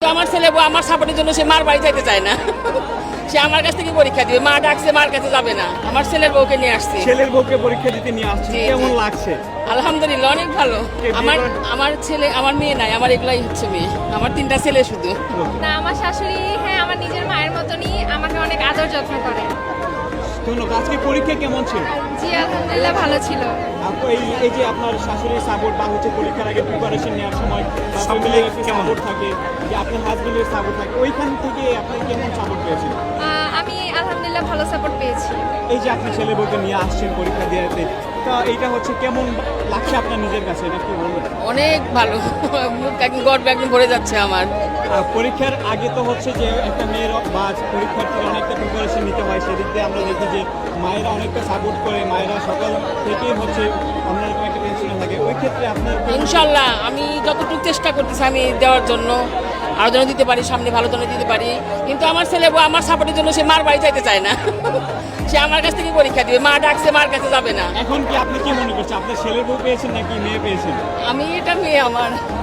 আমার ছেলে বউ আমার সাপোর্টের জন্য সে মার বাড়ি যাইতে চায় না। সে আমার কাছ থেকে পরীক্ষা দিবে, মা ডাকছে মার কাছে যাবে না, আমার ছেলের বউকে নিয়ে আসছে। ছেলের বউকে পরীক্ষা দিতে নিয়ে আসছে, জি, কেমন জি। লাগছে? আলহামদুলিল্লাহ অনেক ভালো। আমার ছেলে, আমার মেয়ে নাই, আমার এগুলাই হচ্ছে মেয়ে, আমার 3টা ছেলে শুধু। না, আমার শাশুড়ি হ্যাঁ আমার নিজের মায়ের মতনই আমাকে অনেক আদর যত্ন করে। ধন্যবাদ। আজকে পরীক্ষা কেমন ছিল? জি আলহামদুলিল্লাহ ভালো ছিল। এই যে আপনার শাশুড়ির সাপোর্ট বা হচ্ছে পরীক্ষার আগে প্রিপারেশন নেওয়ার সময় সব মিলে সাপোর্ট থাকে, যে আপনার হাজবেন্ডের সাপোর্ট থাকে, ওইখান থেকে আপনি কেমন সাপোর্ট পেয়েছেন? আমি আলহামদুলিল্লাহ ভালো সাপোর্ট পেয়েছি। এই যে আপনি ছেলে বউকে নিয়ে আসছেন পরীক্ষা দিতে, তা এইটা হচ্ছে কেমন লাগছে আপনার নিজের কাছে, এটা কি বলবেন? অনেক ভালো, মুখ একদম গর্ব একদম ভরে যাচ্ছে আমার। পরীক্ষার আগে তো হচ্ছে যে একটা মেয়ের বা পরীক্ষার্থীর অনেকটা প্রিপারেশন নিতে হয়, সেদিক দিয়ে আমরা দেখি যে মায়েরা অনেকটা সাপোর্ট করে, মায়েরা সকাল থেকেই হচ্ছে আমরা এরকম একটা টেনশনে থাকে। ওই ক্ষেত্রে আপনার ইনশাল্লাহ আমি যতটুকু চেষ্টা করতেছি আমি দেওয়ার জন্য, আরো যেন দিতে পারি, সামনে ভালো যেন দিতে পারি। কিন্তু আমার ছেলে বউ আমার সাপোর্টের জন্য সে মার বাড়ি যাইতে চায় না। সে আমার কাছ থেকে পরীক্ষা দিবে, মা ডাকছে মার কাছে যাবে না। এখন কি আপনি কি মনে করছেন, আপনার ছেলে বউ পেয়েছেন নাকি মেয়ে পেয়েছেন? আমি এটা মেয়ে আমার।